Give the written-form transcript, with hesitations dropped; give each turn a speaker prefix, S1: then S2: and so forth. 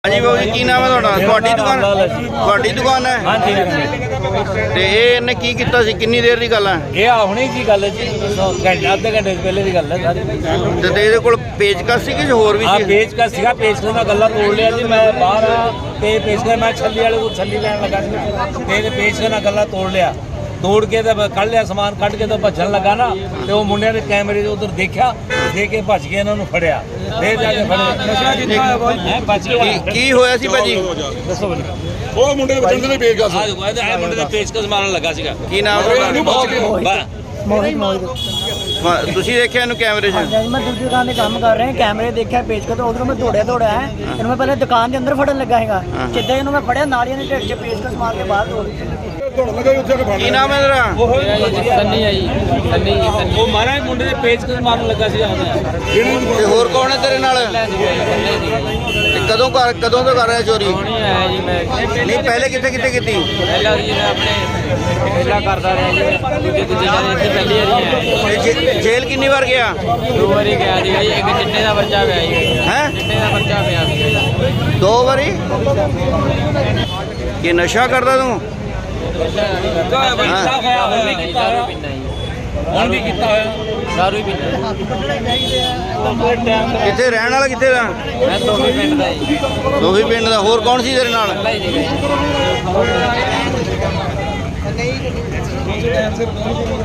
S1: हाँ जी बाबू जी की नाम है ਤੁਹਾਡੀ दुकान है
S2: हाँ जी
S1: ਤੇ ਇਹ ਇਹਨੇ ਕੀ ਕੀਤਾ ਸੀ ਕਿੰਨੀ ਦੇਰ ਦੀ ਗੱਲ ਹੈ
S2: ਇਹ ਆ ਹੁਣੇ ਕੀ ਗੱਲ ਹੈ ਜੀ ਘੰਟਾ ਅੱਧੇ ਘੰਟੇ ਪਹਿਲੇ ਦੀ ਗੱਲ ਹੈ ਸਾਰੀ
S1: ਤੇ ਇਹਦੇ ਕੋਲ ਪੇਚਕਸ ਸੀ ਕਿ ਹੋਰ ਵੀ
S2: ਆ
S1: ਸੀ
S2: ਪੇਚਕਸ ਸੀਗਾ ਪੇਚਕਸ ਨਾਲ ਗੱਲਾਂ ਤੋੜ ਲਿਆ ਜੀ ਮੈਂ ਬਾਹਰ ਆ ਤੇ ਪੇਚਕਸ ਮੈਂ ਛੱਲੀ ਵਾਲੇ ਕੋਲ ਛੱਲੀ ਲੈਣ ਲੱਗਾ ਸੀ ਤੇ ਇਹਦੇ ਪੇਚਕਸ ਨਾਲ ਗੱਲਾਂ ਤੋੜ ਲਿਆ ਤੋੜ ਕੇ ਤੇ ਕੱਢ ਲਿਆ ਸਮਾਨ ਕੱਢ ਕੇ ਤਾਂ ਭੱਜਣ ਲੱਗਾ ਨਾ ਤੇ ਉਹ ਮੁੰਡਿਆਂ ਨੇ ਕੈਮਰੇ 'ਚ ਉਧਰ ਦੇਖਿਆ ਦੇ ਕੇ ਭੱਜ ਕੇ ਇਹਨਾਂ ਨੂੰ ਫੜਿਆ ਫੇਰ ਜਾ ਕੇ ਫੜੇ ਨਸ਼ਾ ਕੀਤਾ ਹੋਇਆ ਬਾਈ ਭੱਜ ਗਿਆ
S1: ਕੀ ਹੋਇਆ ਸੀ ਭਾਜੀ
S2: ਦੱਸੋ ਬਈ
S3: ਉਹ ਮੁੰਡੇ ਦੇ ਬਚਣ ਦੇ ਪੇਚਕਸ
S2: ਆ ਦੇਖੋ ਇਹ ਮੁੰਡੇ ਦਾ ਪੇਚਕਸ ਮਾਰਨ ਲੱਗਾ ਸੀਗਾ
S1: ਕੀ ਨਾਮ
S4: ਮੋਹਿਤ
S1: ਤੁਸੀਂ ਦੇਖਿਆ ਇਹਨੂੰ ਕੈਮਰੇ 'ਚ
S4: ਮੈਂ ਦੂਜੀ ਦੁਕਾਨ ਤੇ ਕੰਮ ਕਰ ਰਿਹਾ ਕੈਮਰੇ ਦੇਖਿਆ ਪੇਜ ਕੇ ਤੇ ਉਧਰੋਂ ਮੈਂ ਦੌੜਿਆ ਹੈ ਇਹਨੂੰ ਮੈਂ ਪਹਿਲਾਂ ਦੁਕਾਨ ਦੇ ਅੰਦਰ ਫੜਨ ਲੱਗਾ ਹੈਗਾ ਜਿੱਦਾਂ ਇਹਨੂੰ ਮੈਂ ਫੜਿਆ ਨਾਲੀਆਂ ਦੇ ਢਿੱਡ 'ਚ ਪੇਚਕਸ ਮਾਰ ਕੇ ਬਾਹਰ ਤੋੜ
S3: ਦੌੜਨ ਲੱਗਾ ਉੱਥੇ ਕੇ ਫੜ
S1: ਕੀ ਨਾਮ ਹੈ ਤੇਰਾ
S2: ਸੰਨੀ ਆ ਜੀ ਸੰਨੀ ਉਹ ਮਾਰਾ ਮੁੰਡੇ ਦੇ ਪੇਚਕਸ ਮਾਰਨ ਲੱਗਾ ਸੀਗਾ
S1: ਤੇ ਹੋਰ ਕੌਣ ਹੈ ਤੇਰੇ ਨਾਲ ਤੇ ਕਦੋਂ ਤੋਂ ਕਰ ਰਿਹਾ ਚੋਰੀ
S2: ਆਇਆ ਜੀ ਮੈਂ
S1: ਨਹੀਂ ਪਹਿਲੇ ਕਿੱਥੇ ਕੀਤੀ
S2: ਪਹਿਲਾਂ ਜੀ ਮੈਂ ਆਪਣੇ ਪਹਿਲਾਂ ਕਰਦਾ ਰਿਹਾ ਜੀ ਦੂਜੇ ਜਗ੍ਹਾ ਇੱਥੇ ਪਹਿਲੀ ਵਾਰੀ ਆਇਆ
S1: ਤੇ ਜੇਲ੍ਹ ਕਿੰਨੀ ਵਾਰ ਗਿਆ
S2: 2 ਵਾਰੀ ਗਿਆ ਜੀ ਇੱਕ ਚਿੱਟੇ ਦਾ ਬੱਚਾ ਪਿਆ ਜੀ
S1: ਹੈ
S2: ਚਿੱਟੇ ਦਾ ਬੱਚਾ ਪਿਆ ਸੀ
S1: 2 ਵਾਰੀ ਕੀ ਨਸ਼ਾ ਕਰਦਾ ਤੂੰ
S2: ਹੁਣ ਵੀ ਕੀਤਾ ਹੋਇਆ ਦਾਰੂ ਹੀ ਪੀਂਦਾ
S1: ਕਿੱਥੇ ਰਹਿਣ ਵਾਲਾ ਕਿੱਥੇ ਦਾ
S2: ਮੈਂ ਤੋਹੀ ਪਿੰਡ ਦਾ ਜੀ
S1: ਦੋਹੀ ਪਿੰਡ ਦਾ ਹੋਰ ਕੌਣ ਸੀ ਤੇਰੇ ਨਾਲ
S2: ਪਹਿਲਾਂ ਹੀ ਜੀ